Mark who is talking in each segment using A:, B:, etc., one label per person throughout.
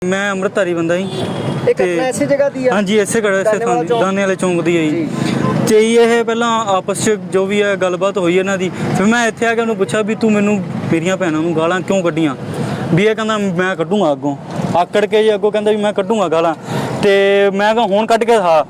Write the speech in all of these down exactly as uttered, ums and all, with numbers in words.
A: मैं अमृतधारी बंदा जी
B: ਇਹ ਘਟਨਾ ਇਸੇ ਜਗ੍ਹਾ ਦੀ ਆ?
A: हाँ जी इसे खड़े इसे
B: ਦਾਨੇਵਾਲ ਚੌਂਕ।
A: दाने वाले चौंक दी है जी ਤੇ ਇਹ ਪਹਿਲਾਂ ਆਪਸ 'ਚ ਜੋ ਵੀ ਹੈ ਗੱਲਬਾਤ ਹੋਈ ਇਹਨਾਂ ਦੀ। ਫਿਰ ਮੈਂ ਇੱਥੇ ਆ ਕੇ ਉਹਨੂੰ ਪੁੱਛਿਆ ਵੀ ਤੂੰ ਮੈਨੂੰ ਮੇਰੀਆਂ ਭੈਣਾਂ ਨੂੰ ਗਾਲਾਂ ਕਿਉਂ ਕੱਢੀਆਂ। ਵੀ ਇਹ ਕਹਿੰਦਾ ਮੈਂ ਕੱਢੂੰਗਾ ਅੱਗੋਂ, ਆਕੜ ਕੇ ਜੀ ਅੱਗੋਂ ਕਹਿੰਦਾ ਵੀ ਮੈਂ ਕੱਢੂੰਗਾ ਗਾਲਾਂ। ਤੇ ਮੈਂ ਕਿਹਾ ਹੁਣ ਕੱਢ ਕੇ ਦਿਖਾ,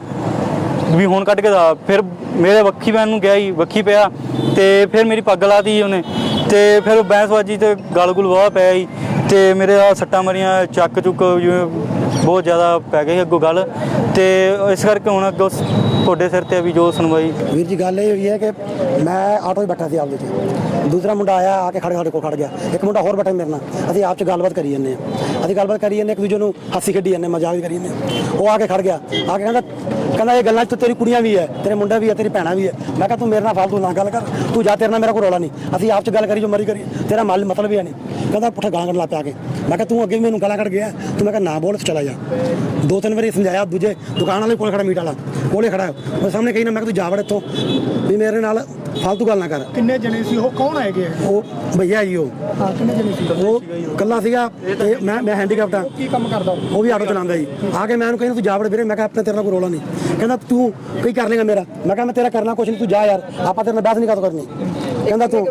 A: ਵੀ ਹੁਣ ਕੱਢ ਕੇ ਦਿਖਾ। ਫਿਰ ਮੇਰੇ ਵੱਖੀ ਪੈਣ ਨੂੰ ਗਿਆ ਜੀ, ਵੱਖੀ ਪਿਆ ਤੇ ਫਿਰ ਮੇਰੀ ਪੱਗ ਲਾਤੀ ਜੀ ਉਹਨੇ। ਤੇ ਫਿਰ ਬਹਿਸਬਾਜੀ ਤੇ ਗਲ ਗੁਲ ਵਾਹ ਪਿਆ ਜੀ ਤੇ ਮੇਰੇ ਆ ਸੱਟਾਂ ਮਾਰੀਆਂ, ਚੱਕ ਚੁੱਕ ਜਿਵੇਂ ਬਹੁਤ ਜ਼ਿਆਦਾ ਪੈ ਗਈ ਅੱਗੋਂ ਗੱਲ। ਤੇ ਇਸ ਕਰਕੇ ਹੁਣ ਅੱਗੋਂ ਤੁਹਾਡੇ ਸਿਰ ਤੇ ਵੀ ਜੋ ਸੁਣਵਾਈ।
C: ਵੀਰ ਜੀ ਗੱਲ ਇਹ ਹੋਈ ਹੈ ਕਿ ਮੈਂ ਆਟੋ 'ਚ ਬੈਠਾ ਸੀ ਆਪਦੇ 'ਚ, ਦੂਸਰਾ ਮੁੰਡਾ ਆਇਆ ਆ ਕੇ ਖੜ੍ਹ ਸਾਡੇ ਕੋਲ ਖੜ ਗਿਆ, ਇੱਕ ਮੁੰਡਾ ਹੋਰ ਬੈਠਾ ਮੇਰੇ ਨਾਲ। ਅਸੀਂ ਆਪ 'ਚ ਗੱਲਬਾਤ ਕਰੀ ਜਾਂਦੇ ਹਾਂ, ਅਸੀਂ ਗੱਲਬਾਤ ਕਰੀ ਜਾਂਦੇ ਇੱਕ ਦੂਜੇ ਨੂੰ ਹਾਸੀ ਖੇਡੀ ਜਾਂਦੇ, ਮਜ਼ਾਕ ਵੀ ਕਰੀ ਜਾਂਦੇ। ਉਹ ਆ ਕੇ ਖੜ ਗਿਆ, ਆ ਕੇ ਕਹਿੰਦਾ ਕਹਿੰਦਾ ਇਹ ਗੱਲਾਂ 'ਚ ਤੇਰੀ ਕੁੜੀਆਂ ਵੀ ਹੈ, ਤੇਰੇ ਮੁੰਡਾ ਵੀ ਹੈ, ਤੇਰੀ ਭੈਣਾਂ ਵੀ ਹੈ। ਮੈਂ ਕਿਹਾ ਤੂੰ ਮੇਰੇ ਨਾਲ ਫਾਲਤੂ ਨਾ ਗੱਲ ਕਰ, ਤੂੰ ਜਾ, ਤੇਰੇ ਨਾਲ ਮੇਰਾ ਕੋਈ ਰੌਲਾ ਨਹੀਂ, ਅਸੀਂ ਆਪ 'ਚ ਗੱਲ ਕਰੀ ਜੋ ਮਰੀ ਕਰੀ, ਤੇਰਾ ਮਲ ਮਤਲਬ ਵੀ ਹੈ ਨਹੀਂ। ਕਹਿੰਦਾ ਪੁੱਠਾ ਗਾਲਾਂ ਕੱਢ ਲਾ ਪਿਆ ਕੇ। ਮੈਂ ਕਿਹਾ ਤੂੰ ਅੱਗੇ ਵੀ ਮੈਨੂੰ ਗਾਲਾਂ ਕੱਢ ਗਿਆ, ਤੂੰ ਮੈਂ ਕਿਹਾ ਨਾ ਬੋਲ, ਚਲਾ ਜਾ। ਦੋ ਤਿੰਨ ਵਾਰੀ ਸਮਝਾਇਆ, ਦੂਜੇ ਦੁਕਾਨ ਵਾਲੇ ਕੋਲ ਖੜਾ, ਮੀਟ ਵਾਲਾ ਕੋਲੇ ਖੜਾ, ਉਹ ਸਾਹਮਣੇ ਕਹੀ ਨਾ ਮੈਂ ਕਿਹਾ ਤੂੰ ਜਾ ਵੜ ਇੱਥੋਂ, ਵੀ ਮੇਰੇ ਨਾਲ ਫਾਲਤੂ ਗੱਲ ਨਾ ਕਰ।
B: ਕਿੰਨੇ ਜਣੇ ਸੀ ਉਹ, ਕੌਣ ਹੈਗੇ?
C: ਉਹ ਭਈਆ ਜੀ, ਉਹ
B: ਹਾਂ ਕਿੰਨੇ ਜਣੇ ਸੀ?
C: ਉਹ ਇਕੱਲਾ ਸੀਗਾ ਤੇ ਮੈਂ ਮੈਂ ਹੈਂਡੀਕੈਪਟ ਆ।
B: ਕੀ ਕੰਮ ਕਰਦਾ
C: ਉਹ ਵੀ ਆਟੋ ਚਲਾਉਂਦਾ ਜੀ। ਆ ਕੇ ਮੈਂ ਉਹਨੂੰ ਕਹਿੰਦਾ ਤੂੰ ਜਾ ਵੜ ਵੀਰੇ। ਮੈਂ ਕਿਹਾ ਆਪਣੇ ਤੇਰੇ ਨਾਲ ਕੋਈ ਰੌਲਾ ਨਹੀਂ। ਕਹਿੰਦਾ ਤੂੰ ਕੀ ਕਰ ਲੇਗਾ ਮੇਰਾ। ਮੈਂ ਕਿਹਾ ਮੈਂ ਤੇਰਾ ਕਰਨਾ ਕੁਛ ਨਹੀਂ, ਤੂੰ ਜਾ ਯਾਰ, ਆਪਾਂ ਤੇਰੇ ਨਾਲ ਬਹਿਸ ਨਹੀਂ ਕਦੋਂ ਕਰਨੀ। ਕਹਿੰਦਾ ਤੂੰ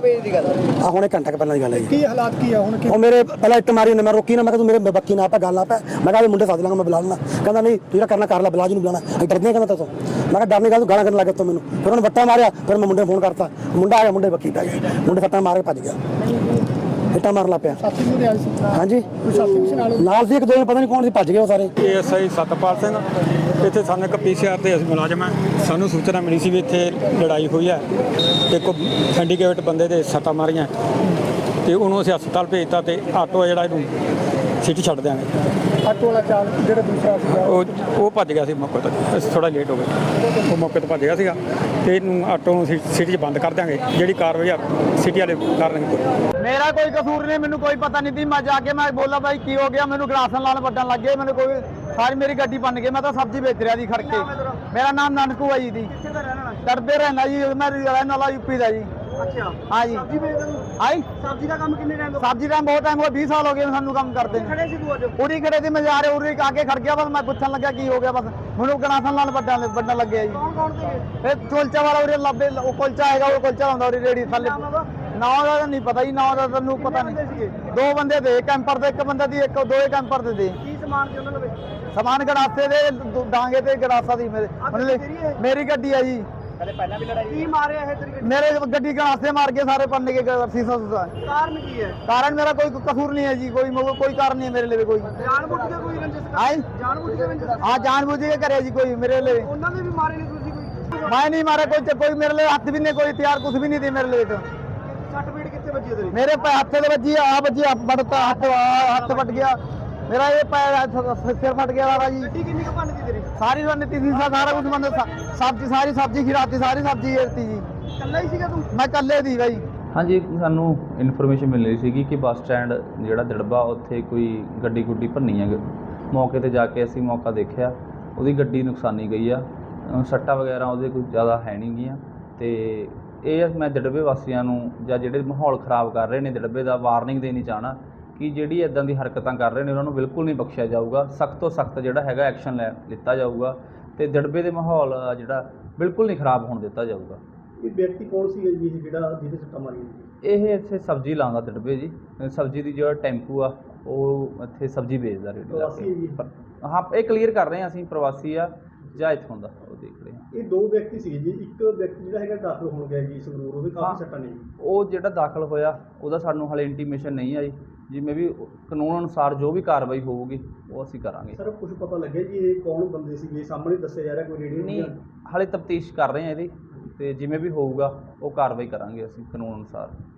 C: ਆ ਹੁਣੇ ਘੰਟਾ ਕੁ ਪਹਿਲਾਂ ਦੀ ਗੱਲ ਹੈ ਜੀ।
B: ਕੀ ਹਾਲਾਤ ਕੀ ਆ ਹੁਣ?
C: ਉਹ ਮੇਰੇ ਪਹਿਲਾਂ ਇੱਟ ਮਾਰੀ ਉਹਨੇ, ਮੈਂ ਰੋਕੀ ਨਾ, ਮੈਂ ਕਿਹਾ ਤੂੰ ਮੇਰੇ ਬੱਕੀ ਨਾ ਪਾ ਗੱਲ ਨਾ ਪੈ। ਮੈਂ ਕਿਹਾ ਵੀ ਮੁੰਡੇ ਸੱਦ ਲਾਂਗਾ, ਮੈਂ ਬੁਲਾ ਲੈਣਾ। ਕਹਿੰਦਾ ਨਹੀਂ ਤੂੰ ਜਿਹੜਾ ਕਰਨਾ ਕਰ ਲੈ, ਬੁਲਾ ਜੀ ਨੂੰ ਬੁਲਾਣਾ, ਅਸੀਂ ਡਰਦੇ ਹਾਂ ਕਹਿੰਦਾ ਤੂੰ। ਮੈਂ ਕਿਹਾ ਡਰ ਨਹੀਂ ਗਾ, ਤੂੰ ਗਾਲਾਂ ਕਰਨ ਲੱਗ ਗਿਆ ਤੂੰ ਮੈਨੂੰ। ਫਿਰ ਉਹਨੇ ਵੱਟਾ ਮਾਰਿਆ, ਫਿਰ ਮੈਂ ਮੁੰਡੇ ਨੂੰ ਫੋਨ ਕਰਤਾ, ਮੁੰਡਾ ਆ ਗਿਆ, ਮੁੰਡੇ ਬੱਕੀ ਪੈ ਗਏ, ਮੁੰਡੇ ਸੱਟਾਂ ਮਾਰ ਕੇ ਭੱਜ ਗਿਆ, ਇੱਟਾਂ ਮਾਰਨ ਲੱਗ ਪਿਆ।
B: ਸਾਥੀ ਵੀ ਆਏ ਸੀ?
C: ਹਾਂਜੀ
B: ਕੋਈ ਸਾਥੀ ਵੀ ਸੀ ਨਾਲ?
C: ਨਾਲ ਸੀ ਇੱਕ ਦੋ, ਪਤਾ ਨਹੀਂ ਕੌਣ ਸੀ, ਭੱਜ ਗਏ ਉਹ ਸਾਰੇ।
D: ਏਐਸਆਈ ਸਤਪਾਲ ਸਿੰਘ, ਇੱਥੇ ਸਾਨੂੰ ਇੱਕ ਪੀਸੀਆਰ ਤੇ ਅਸੀਂ ਮੁਲਾਜ਼ਮ ਹਾਂ। ਸਾਨੂੰ ਸੂਚਨਾ ਮਿਲੀ ਸੀ ਵੀ ਇੱਥੇ ਲੜਾਈ ਹੋਈ ਹੈ, ਇੱਕ ਸਿੰਡੀਕੇਟ ਬੰਦੇ ਦੇ ਸੱਟਾਂ ਮਾਰੀਆਂ ਤੇ ਉਹਨੂੰ ਅਸੀਂ ਹਸਪਤਾਲ ਭੇਜਤਾ ਤੇ ਆਟੋ ਜਿਹੜਾ ਇਹਨੂੰ ਸਿਟੀ ਛੱਡ ਦਿਆਂਗੇ।
B: ਆਟੋ ਵਾਲਾ ਚਾਲਕ ਜਿਹੜਾ ਦੂਸਰਾ ਸੀਗਾ
D: ਉਹ ਉਹ ਭੱਜ ਗਿਆ ਸੀ ਮੌਕੇ ਤੋਂ, ਅਸੀਂ ਥੋੜਾ ਲੇਟ ਹੋ ਗਏ, ਉਹ ਮੌਕੇ ਤੋਂ ਭੱਜ ਗਿਆ ਸੀਗਾ ਤੇ ਇਹਨੂੰ ਆਟੋ ਨੂੰ ਸਿਟੀ 'ਚ ਬੰਦ ਕਰ ਦਿਆਂਗੇ। ਜਿਹੜੀ ਕਾਰਵਾਈ ਆ ਸਿਟੀ ਵਾਲੇ ਕਰਨਗੇ।
E: मेरा कोई कसूर नहीं, मैंने कोई पता नहीं थी। मैं जाके मैं बोला भाई की हो गया, मैंने गलासन लाल बटन लग गए, मैंने कोई सारी मेरी गड्डी बन गई। मैं तो सब्जी बेच रहा जी खड़ के। मेरा नाम नानकू है जी, करते रहना जी, मैं रहने वाला यूपी का जी।
B: अच्छा
E: हाँ जी। आई
B: सब्जी का काम कितने टाइम
E: सब्जी टाइम बहुत टाइम हो, बीस साल हो गए सानू काम करते
B: खड़े सी तू आज?
E: उड़ी खड़े थे, मैं जा रहे उड़ी आके खड़ गया, बस मैं पूछन लगा की हो गया, बस मैंने गलासन लाल बटन बटन लग गया जी।
B: कौन कौन थे?
E: ਇਹ ਕੁਲਚਾ ਵਾਲਾ ਉਰੇ ਲੱਭੇ, ਉਹ ਕੁਲਚਾ ਹੈਗਾ, ਉਹ ਕੁਲਚਾ ਹੁੰਦਾ ਉਰੇ ਰੇੜੀ ਥੱਲੇ। ਨਾਂ ਦਾ ਤਾਂ ਨਹੀਂ ਪਤਾ ਜੀ, ਨਾਂ ਦਾ ਤੈਨੂੰ ਪਤਾ ਨਹੀਂ। ਦੋ ਬੰਦੇ ਦੇ, ਕੈਂਪਰ ਦੇ ਇੱਕ ਬੰਦੇ ਦੀ, ਇੱਕ ਦੋ ਕੈਂਪਰ ਦੇ ਦੇ।
B: ਕੀ ਸਮਾਨ ਸੀ ਉਹਨਾਂ ਦੇ?
E: ਸਮਾਨ ਗੜਾਸੇ ਦੇ, ਡਾਂਗੇ ਤੇ ਗੜਾਸਾ ਦੀ ਮੇਰੇ
B: ਤੇਰੀ
E: ਮੇਰੀ ਗੱਡੀ ਹੈ ਜੀ।
B: ਪਹਿਲਾਂ ਵੀ ਲੜਾਈ? ਕੀ ਮਾਰਿਆ ਇਹ ਤੇਰੀ ਗੱਡੀ?
E: ਮੇਰੇ ਗੱਡੀ ਗੜਾਸੇ ਮਾਰ ਕੇ ਸਾਰੇ ਪੰਨੇ ਕੇ ਸੀਸਾ ਸੂਸਾ।
B: ਕਾਰਨ ਕੀ ਹੈ?
E: ਕਾਰਨ ਮੇਰਾ ਕੋਈ ਕਸੂਰ ਨਹੀਂ ਹੈ ਜੀ, ਕੋਈ ਕੋਈ ਕਾਰਨ ਨਹੀਂ ਹੈ ਮੇਰੇ ਲਈ ਕੋਈ।
B: ਜਾਣਬੁੱਝ ਕੇ ਕੋਈ ਰੰਜਿਸ਼?
E: ਆਈ
B: ਜਾਣਬੁੱਝ ਕੇ ਰੰਜਿਸ਼?
E: ਹਾਂ ਜਾਣਬੁੱਝ ਕੇ ਕਰਿਆ ਜੀ ਕੋਈ ਮੇਰੇ ਲਈ।
B: ਉਹਨਾਂ ਨੇ ਵੀ ਮਾਰੇ ਨੇ ਤੁਸੀਂ ਕੋਈ?
E: ਮੈਂ ਨਹੀਂ ਮਾਰਿਆ ਕੋਈ, ਕੋਈ ਮੇਰੇ ਲਈ ਹੱਥ ਵੀ ਨਹੀਂ, ਕੋਈ ਹਥਿਆਰ ਕੁਝ ਵੀ ਨਹੀਂ ਦੇ ਮੇਰੇ ਲਈ।
B: ਸੱਟ ਪੀੜ ਕਿੱਥੇ ਵੱਜੀ ਤੇਰੀ?
E: ਮੇਰੇ ਪੈ ਹੱਥੇ ਦੇ ਵੱਜੀ, ਆ ਵੱਜੀ, ਹੱਥ ਫੜਤਾ, ਹੱਥ ਹੱਥ ਫਟ ਗਿਆ ਮੇਰਾ, ਇਹ ਪੈਰ ਸਿਰ ਫਟ ਗਿਆ ਸਾਰਾ ਜੀ।
B: ਗੱਡੀ ਕਿੰਨੀ ਕੁ ਭੰਨ ਤੀ ਤੇਰੀ?
E: ਸਾਰੀ ਰਣਨੀਤੀ ਸੀ, ਸਾਰਾ ਕੁਝ ਬੰਦ, ਸਬਜ਼ੀ ਸਾਰੀ ਸਬਜ਼ੀ ਖਿਰਾਤੀ, ਸਾਰੀ ਸਬਜ਼ੀ ਏਰਤੀ ਜੀ।
B: ਇਕੱਲਾ ਹੀ ਸੀਗਾ ਤੂੰ?
E: ਮੈਂ ਇਕੱਲੇ ਦੀ ਬਾਈ।
F: ਹਾਂਜੀ, ਸਾਨੂੰ ਇਨਫੋਰਮੇਸ਼ਨ ਮਿਲ ਰਹੀ ਸੀਗੀ ਕਿ ਬੱਸ ਸਟੈਂਡ ਜਿਹੜਾ ਦਿੜਬਾ, ਉੱਥੇ ਕੋਈ ਗੱਡੀ ਗੁੱਡੀ ਭੰਨੀ ਹੈ। ਮੌਕੇ 'ਤੇ ਜਾ ਕੇ ਅਸੀਂ ਮੌਕਾ ਦੇਖਿਆ, ਉਹਦੀ ਗੱਡੀ ਨੁਕਸਾਨੀ ਗਈ ਆ, ਸੱਟਾਂ ਵਗੈਰਾ ਉਹਦੇ ਕੋਈ ਜ਼ਿਆਦਾ ਹੈ ਨਹੀਂ ਗੀਆਂ। ਅਤੇ ਇਹ ਮੈਂ ਦਿੜਬੇ ਵਾਸੀਆਂ ਨੂੰ ਜਾਂ ਜਿਹੜੇ ਮਾਹੌਲ ਖ਼ਰਾਬ ਕਰ ਰਹੇ ਨੇ ਦਿੜਬੇ ਦਾ, ਵਾਰਨਿੰਗ ਦੇਣੀ ਚਾਹਣਾ ਕਿ ਜਿਹੜੀ ਇੱਦਾਂ ਦੀ ਹਰਕਤਾਂ ਕਰ ਰਹੇ ਨੇ ਉਹਨਾਂ ਨੂੰ ਬਿਲਕੁਲ ਨਹੀਂ ਬਖਸ਼ਿਆ ਜਾਊਗਾ। ਸਖਤ ਤੋਂ ਸਖਤ ਜਿਹੜਾ ਹੈਗਾ ਐਕਸ਼ਨ ਲੈ ਲਿੱਤਾ ਜਾਊਗਾ ਅਤੇ ਦਿੜਬੇ ਦੇ ਮਾਹੌਲ ਜਿਹੜਾ ਬਿਲਕੁਲ ਨਹੀਂ ਖ਼ਰਾਬ ਹੋਣ ਦਿੱਤਾ ਜਾਊਗਾ।
B: ਇਹ ਵਿਅਕਤੀ ਕੌਣ ਸੀ ਜੀ ਜਿਹੜਾ ਜਿਹਦੇ ਸੱਟਾਂ ਮਾਰੀਆਂ?
F: ਇਹ ਇੱਥੇ ਸਬਜ਼ੀ ਲਾਉਂਦਾ ਦਿੜਬੇ ਜੀ, ਸਬਜ਼ੀ ਦੀ ਜਿਹੜਾ ਟੈਂਪੂ ਆ ਉਹ ਇੱਥੇ ਸਬਜ਼ੀ ਵੇਚਦਾ ਰੇੜੀ ਲਾ ਕੇ। ਹਾਂ, ਇਹ ਕਲੀਅਰ ਕਰ ਰਹੇ ਹਾਂ ਅਸੀਂ, ਪ੍ਰਵਾਸੀ ਆ ਜਾਂ ਇੱਥੋਂ ਦਾ, ਉਹ ਦੇਖ ਰਹੇ ਹਾਂ।
B: ਇਹ ਦੋ ਵਿਅਕਤੀ ਸੀ ਜੀ, ਇੱਕ ਵਿਅਕਤੀ ਜਿਹੜਾ ਹੈਗਾ ਦਾਖਲ ਹੋਣ ਗਿਆ ਜੀ ਸੰਗਰੂਰ, ਉਹਦੇ ਕਾਫੀ ਸੱਟਾਂ ਨੇ।
F: ਉਹ ਜਿਹੜਾ ਦਾਖਲ ਹੋਇਆ ਉਹਦਾ ਸਾਨੂੰ ਹਾਲੇ ਇੰਟੀਮੇਸ਼ਨ ਨਹੀਂ ਆਈ, ਜਿਵੇਂ ਵੀ ਕਾਨੂੰਨ ਅਨੁਸਾਰ ਜੋ ਵੀ ਕਾਰਵਾਈ ਹੋਊਗੀ ਉਹ ਅਸੀਂ ਕਰਾਂਗੇ।
B: ਸਰ ਕੁਝ ਪਤਾ ਲੱਗਿਆ ਜੀ ਇਹ ਕੌਣ ਬੰਦੇ ਸੀਗੇ? ਸਾਹਮਣੇ ਦੱਸਿਆ ਜਾ ਰਿਹਾ ਕੋਈ ਰੇਡੀਓ
F: ਨਹੀਂ, ਹਾਲੇ ਤਫਤੀਸ਼ ਕਰ ਰਹੇ ਹਾਂ ਇਹਦੀ, ਅਤੇ ਜਿਵੇਂ ਵੀ ਹੋਊਗਾ ਉਹ ਕਾਰਵਾਈ ਕਰਾਂਗੇ ਅਸੀਂ ਕਾਨੂੰਨ ਅਨੁਸਾਰ।